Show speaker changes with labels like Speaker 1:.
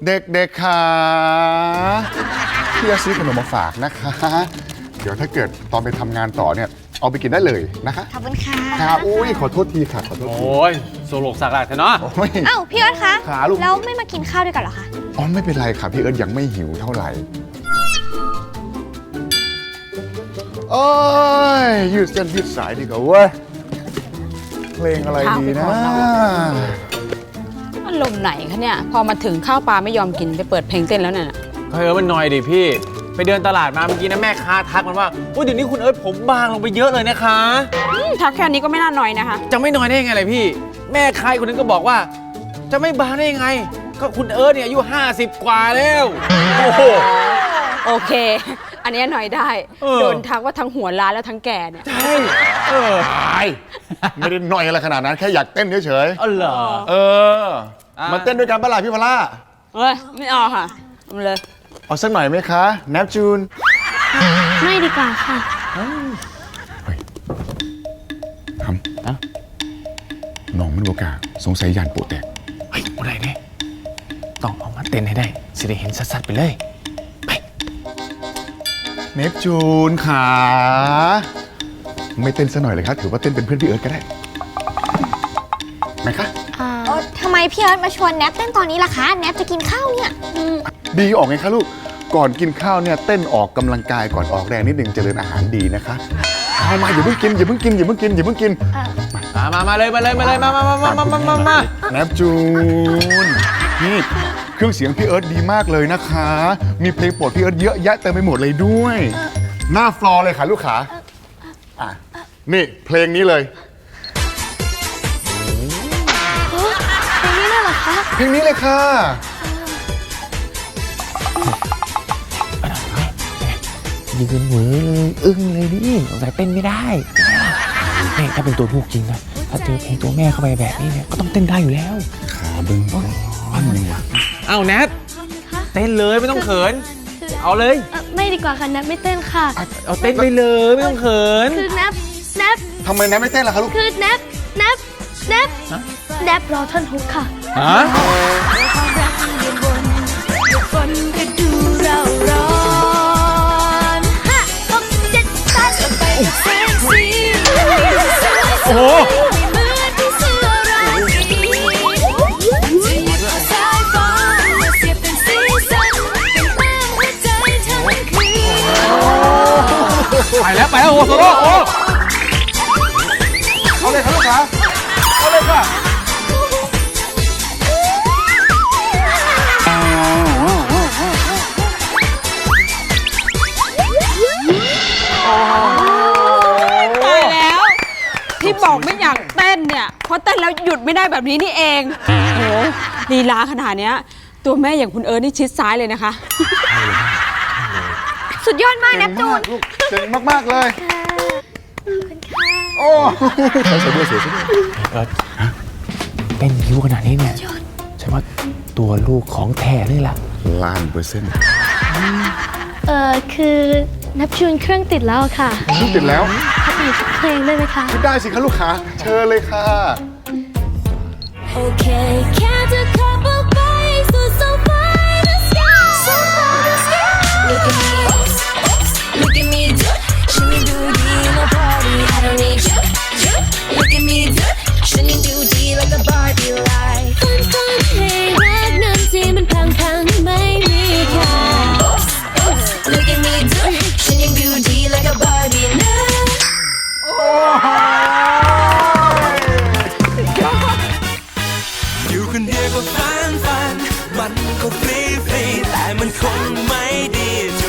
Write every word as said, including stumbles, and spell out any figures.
Speaker 1: เด็กๆค่ะพี่จะซื้อขนมมาฝากนะคะเดี๋ยวถ้าเกิดตอนไปทำงานต่อเนี่ยเอาไปกินได้เลยนะคะ
Speaker 2: ขอบคุณค่ะ
Speaker 1: ค่ะอุ้ยขอโทษทีค่ะขอโทษที
Speaker 3: โอ้ยโซโลกสักหลักเถอะเนาะ
Speaker 1: โอ้ย
Speaker 2: อ้าวพี่เอิร์ธคะ
Speaker 1: ขาลูก
Speaker 2: แล้วไม่มากินข้าวด้วยกันเหรอคะ
Speaker 1: อ๋อไม่เป็นไรค่ะพี่เอิร์ธยังไม่หิวเท่าไหร่โอ้ยยืดเส้นยืดสายดีกว่าเว้ยเพลงอะไรดีนะ
Speaker 4: อารมณ์ไหนคะเนี่ยพอมาถึงข้าวปลาไม่ยอมกินไปเปิดเพลงเต้นแล้วน่ะ
Speaker 3: เฮ้ยมันหน่อยดิพี่ไปเดินตลาดมาเมื่อกี้นะแม่ค้าทักมันว่าโอ้ยเดี๋ยวนี้คุณเอิร์ธผมบางลงไปเยอะเลยนะคะ
Speaker 4: อืมทักแค่นี้ก็ไม่น่าน้อยนะคะ
Speaker 3: จะไม่น้อยได้ยังไงเลยพี่ แม่ค้าคนนึงก็บอกว่า จะไม่บางได้ยังไง ก็คุณเอิร์ธเนี่ยอายุห้าสิบกว่าแล้วโอ้โห
Speaker 4: โอเค อันนี้หน่อยได้
Speaker 3: เออ
Speaker 4: โดนทักว่าทั้งหัวล้านแล้วทั้งแก่เนี่ย
Speaker 3: ใช่เออ
Speaker 1: ตายไม่ได้หน่อยอะไรขนาดนั้นแค่อยากเต้นเฉย
Speaker 3: อ๋อเหรอ
Speaker 1: ๆเออ
Speaker 3: อ่ะ
Speaker 1: มาเต้นด้วยกันปะล่ะพี่พล่า
Speaker 4: เฮ้ย ไม่เอาค่ะเอาเลย
Speaker 1: เอาสักหน่อยไหมคะแนปจูน
Speaker 2: ไม่ดีกว่าค่ะ
Speaker 1: ทำนะน้องมันโอกาสงสัยยันโปะแตก
Speaker 3: เฮ้ยอะไรเนี่ยต้องเอามาเต้นให้ได้สิได้เห็นสัดๆไปเลย
Speaker 1: เนปจูนขาไม่เต้นซะหน่อยเลยครับถือว่าเต้นเป็นเพื่อนพี่เอิร์ธก็ได้ไหมคะ
Speaker 2: เออทำไมพี่เอิร์ธมาชวนแนบเต้นตอนนี้ล่ะคะ แนบจะกินข้าวเนี่ย
Speaker 1: ดีออกไงคะลูกก่อนกินข้าวเนี่ยเต้นออกกำลังกายก่อนออกแรงนิดนึงเจริญอาหารดีนะคะเอามาอย่าเพิ่งกินอย่าเพิ่งกินอย่าเพิ่งกินอย่าเพิ่งกิน
Speaker 3: มามามาเลยมาเลยมาเลยมามามามามามามา
Speaker 1: แนปจูนนี่เครื่องเสียงพี่เอิร์ธดีมากเลยนะคะ มีเพลงโปรดพี่เอิร์ธเยอะแยะเต็มไปหมดเลยด้วย หน้าฟลอร์เลยค่ะลูกขาอ่ะนี่เพลงนี้เลย
Speaker 2: เพลงนี้เลยเหรอคะ
Speaker 1: เพลงนี้เลยค่ะ
Speaker 3: ยืนเหวอเลยอึ้งเลยดิสงสัยเต้นไม่ได้นี่ถ้าเป็นตัวลูกจริงนะถ้าเจอเพลงตัวแม่เข้าไปแบบนี้เนี่ยก็ต้องเต้นได้อยู่แล้ว
Speaker 1: ขาบึ้งก้อนหนึ่ง
Speaker 3: เอาแนทเต้นเลยไม่ต้องเขิน เอาเลย
Speaker 5: ไม่ดีกว่าค่ะแนบไม่เต้นค่ะ
Speaker 3: เอาเต้นไปเลยไม่ต้องเขิน
Speaker 5: คือแนบแนบ
Speaker 1: ทำไมแนปไม่เต้นล่ะคะลูก
Speaker 5: คือแนบแนบแนบแนบรอท่อนฮุกค่ะ
Speaker 3: ฮะ
Speaker 5: คนก็ดูเราร้อนห้าหกเจ็ดแปดไปเซ็กซี่
Speaker 3: โอ้โห
Speaker 5: เหมือนที่เสื้อราตรีจะหยิบเอาสายฟ้ามาเสียบเป็นสีสันเป็นแต้มหัวใจทั้งคืน
Speaker 3: ไปแล้วไปแล้วโอ้โหโซโล่โอ้
Speaker 1: เอาเลยค่ะลูกขาเอาเลยค่ะ
Speaker 4: ตายแล้ว ที่บอกไม่อยากเต้นเนี่ยเพราะเต้นแล้วหยุดไม่ได้แบบนี้นี่เองโอ้โหลีลาขนาดเนี้ยตัวแม่อย่างคุณเอิร์ธนี่ชิดซ้ายเลยนะคะ
Speaker 2: สุดยอดมากแน
Speaker 1: เก่
Speaker 2: บ
Speaker 1: ง
Speaker 2: จู
Speaker 1: มาก
Speaker 2: น
Speaker 1: ลูกเก่งมากๆเลยโอ้ใส่ด้วยเสียด้วย
Speaker 3: เต้นยิ้วขนาดนี้เนี่ยฉันว่าตัวลูกของแท้นี่แหละ
Speaker 1: ล้านเปอร์เซ็นต์
Speaker 5: เอ่อคือแนบจูนเครื่องติดแล้วค่ะ
Speaker 1: ลูกติดแล้ว
Speaker 5: พักอีกสักเพลงได้ไหมคะ
Speaker 1: ได้สิคะลูกขาเชิญเลยค่ะ
Speaker 5: Okay, count a couple bites to so far the sky, so far the sky. Look at me, look at me, do, shimmy do dee in a party. I don't need you, you. Look at me, do, shimmy do dee like a Barbie light. Fun, fun, hey, รักนั้นที่มันพังพังไม่มีค่า Look at me, do, shimmy do dee like a Barbie night.
Speaker 6: อยู่คนเดียวก็ฟันฟัน มันก็ฟรีฟรีแต่มันคงไม่ดีเท่